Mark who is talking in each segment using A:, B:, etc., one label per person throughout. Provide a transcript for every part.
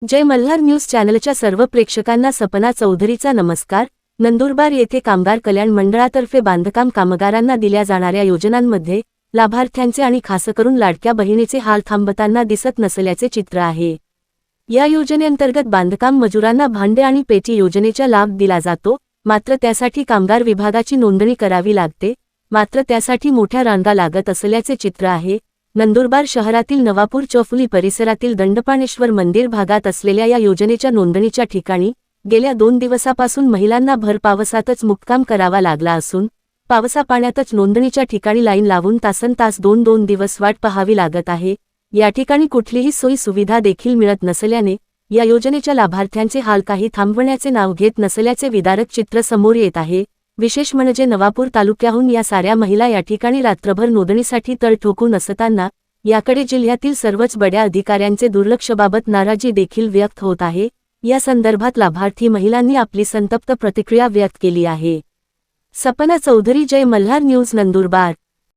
A: जय Malhar news चॅनलच्या सर्व प्रेक्षकांना सपना चौधरीचा नमस्कार। नंदुरबार येथे कामगार कल्याण मंडळातर्फे बांधकाम कामगारांना दिल्या जाणाऱ्या योजनांमध्ये लाभार्थ्यांचे आणि खासकरून लाडक्या बहिणीचे हाल थांबताना दिसत नसल्याचे चित्र आहे। या योजनेअंतर्गत बांधकाम मजुरांना भांडे आणि पेटी योजनेचा लाभ दिला जातो, मात्र त्यासाठी कामगार विभागाची नोंदणी करावी लागते, मात्र त्यासाठी मोठ्या रांगा लागत असल्याचे चित्र आहे। नंदुरबार शहरातील नवापूर चौफुली परिसरातील दंडपाणेश्वर मंदिर भागात असलेल्या या योजनेच्या नोंदणीच्या ठिकाणी गेल्या 2 दिवसापासून महिलांना भर पावसातच मुक्काम करावा लागला असून पावसा पाण्यातच नोंदणीच्या ठिकाणी लाईन लावून तासनतास 2 दिवस वाट पाहावी लागत आहे। या ठिकाणी कुठलीही सोयी सुविधा देखील मिळत नसल्याने या योजनेच्या लाभार्थ्यांचे हाल काही थांबवण्याचे नाव घेत नसल्याचे विदारक चित्र समोर येत आहे। विशेष म्हणजे नवापूर तालुक्याहून या साऱ्या महिला या ठिकाणी रात्रभर नोंदणीसाठी तळ ठोकून असताना याकडे जिल्ह्यातील सर्वच बड्या अधिकाऱ्यांचे दुर्लक्षबाबत नाराजी देखील व्यक्त होत आहे। या संदर्भात लाभार्थी महिलांनी आपली संतप्त प्रतिक्रिया व्यक्त केली आहे। सपना चौधरी, जय मल्हार न्यूज, नंदुरबार।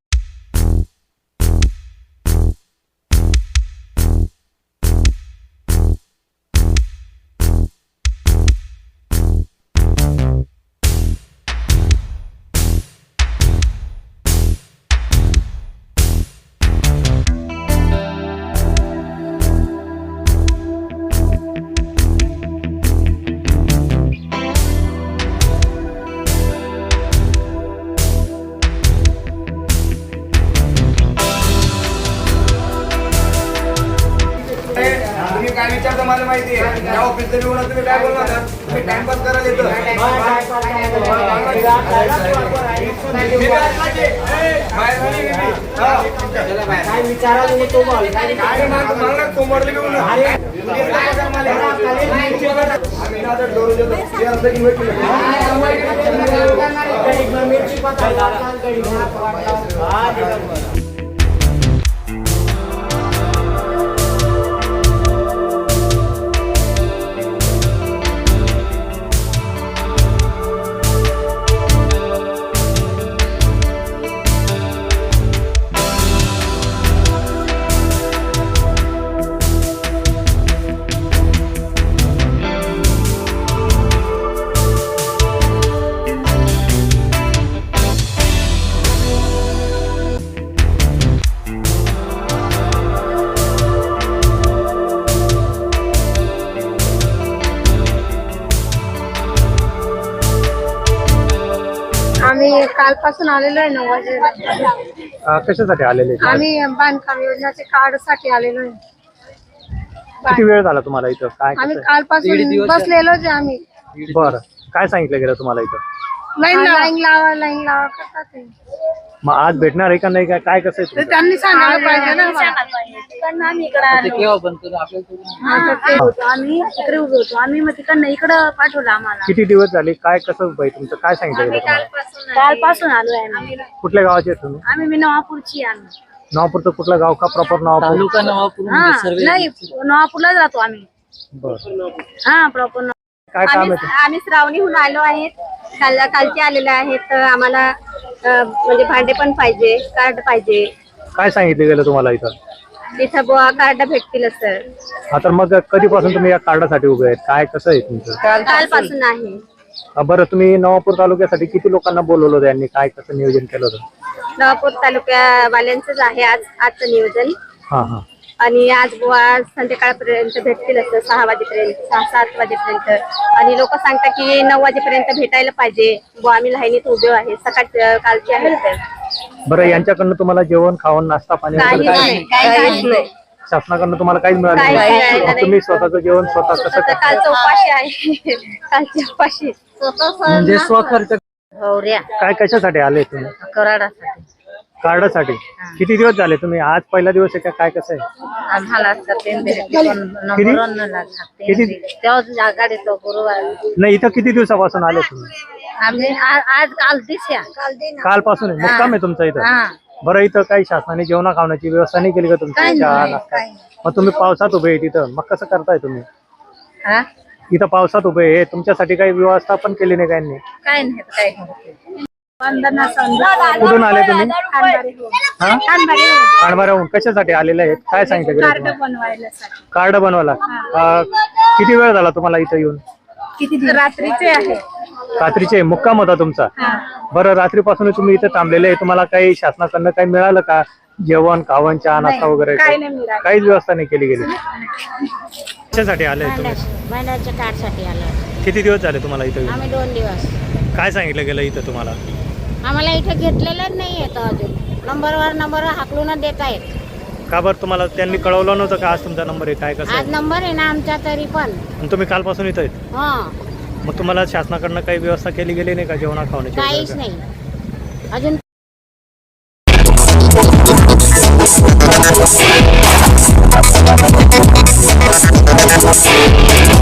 B: काय विचारतो मला माहिती आहे। त्या ऑफिसला येऊन तुम्ही काय बोलणार ना, तुम्ही टाइमपास करायला येतो।
C: काय विचारायला तो बोल काय
B: मला कोमरले घेऊन
D: आम्ही कालपासून आलेलो आहे 9 वाजेला।
E: कशासाठी आलेले?
D: आम्ही बांधकाम योजनेचे कार्ड साठी आलेलो आहे।
E: किती वेळ झाला तुम्हाला इथं? काय
D: आम्ही कालपासून बसलेलोच आहे आम्ही।
E: बरं, काय सांगितलं गेलं तुम्हाला इथं?
D: लाईन लावा करतात ते।
E: मग आज भेटणार आहे का नाही? काय कसं आहे तुमचं?
D: त्यांनी सांगायला पाहिजे ना।
C: आम्ही इकडे उभे होतो, आम्ही मग तिकडनं इकडं पाठवलं आम्हाला।
E: किती दिवस झाले? काय कसं बाई तुमचं काय सांगितलं गेलं तुम्हाला?
C: कालपासून आलोय आम्ही।
E: कुठल्या गावाचे आहेत तुम्ही?
C: आम्ही नवापूरची आम्ही।
E: नवापूरचं कुठलं गाव का? प्रॉपर नवापूर?
F: तालुका नवापूर
C: नाही, नवापूरलाच राहतो आम्ही।
E: बरं,
C: हा, प्रॉपर
E: काय काम आहे?
G: आम्ही श्रावणीहून आलो आहेत, कालचे आलेले आहेत। आम्हाला म्हणजे भांडे पण पाहिजे, कार्ड पाहिजे।
E: काय सांगितलं गेलं तुम्हाला इथं?
G: तिथं बुवा कार्ड भेटतील सर।
E: हा, तर मग कधीपासून तुम्ही या कार्डासाठी उभे आहेत? काय कसं आहे तुमचं?
G: कालपासून आहे।
E: बरं, तुम्ही नवापूर तालुक्यासाठी किती लोकांना बोलवलं होतं? यांनी काय कसं नियोजन केलं होतं?
G: नवापूर तालुक्यावाल्यांचंच आहे आजचं नियोजन।
E: हां,
G: आणि आज बुवा संध्याकाळपर्यंत भेटतील असं, 6 वाजेपर्यंत, 6-7 वाजेपर्यंत। आणि लोक सांगतात की 9 वाजेपर्यंत भेटायला पाहिजे बुवा, आम्ही लाईनीत उभे आहे। सकाळ कालचे आहेत तर।
E: बरं, यांच्याकडनं तुम्हाला जेवण, खावण, नाश्ता, पाणी वगैरे
G: काही
E: शासनाकडनं तुम्हाला काहीच मिळालं नाही? मग तुम्ही स्वतःचं जेवण स्वतः कसं करता?
G: कालचं उपाशी आहे, कालच्या उपाशी।
E: म्हणजे स्वखर्च?
C: गौऱ्या
E: काय कशासाठी आले तुम्ही?
C: कराडासाठी।
E: कार्डासाठी? किती दिवस झाले तुम्ही? आज पहिला दिवस आहे का? काय कसं आहे?
C: आम्हाला तेव्हा गाडी तो गुरुवार।
E: नाही, इथं किती दिवसापासून आले तुम्ही?
C: आम्ही आज काल दिसया
E: कालपासून आहे? मुक्काम आहे तुमचा इथं? बरं, इथं काही शासनाने जेवणा खावण्याची व्यवस्था नाही केली का तुमच्या? चहा, नाश्ता? मग तुम्ही पावसात उभे आहे तिथं, मग कसं करताय तुम्ही? इथं पावसात उभे आहे, तुमच्यासाठी काही व्यवस्था पण केली नाही?
C: काय नाही, काय वंदना संदीप
E: कुठून आले तुम्ही?
C: खानबारी हो.
E: हा
C: खानबारी हो.
E: कांडमाऱ्याहून कशासाठी आलेले आहेत? काय सांगितलं गेलं
C: कार्ड
E: तुम्हाला?
C: बनवायला साठी.
E: कार्ड बनवायला. किती वेळ झाला तुम्हाला इथं येऊन?
C: किती रात्रीचे आहे.
E: रात्रीचे मुक्काम होता तुमचा? बरं, रात्रीपासून तुम्ही इथं थांबलेले आहे. तुम्हाला काही शासनाकडनं काही मिळालं का? जेवण खावण चहा नाश्ता वगैरे
C: काही नाही मिळालं.
E: काहीच व्यवस्था नाही केली गेली. कशासाठी आले तुम्ही?
F: महिन्याच्या कार्डसाठी आलो.
E: किती दिवस झाले तुम्हाला इथं येऊन?
F: आम्ही 2 दिवस.
E: काय सांगितलं गेलं इथं तुम्हाला?
F: आम्हाला इथे घेतलेलं नाही येतं अजून. नंबर हाकलून देत आहेत.
E: का बरं तुम्हाला त्यांनी कळवलं नव्हतं का आज तुमचा नंबर आहे काय कसं
F: आज
E: आहे?
F: नंबर आहे ना आमचा तरी पण.
E: आणि तुम्ही कालपासून इथं आहेत?
F: हा,
E: मग तुम्हाला शासनाकडनं काही व्यवस्था केली गेली नाही का जेवणा खावण्याची
F: काहीच
E: वगैरे?
F: नाही अजून.
H: We'll be right back.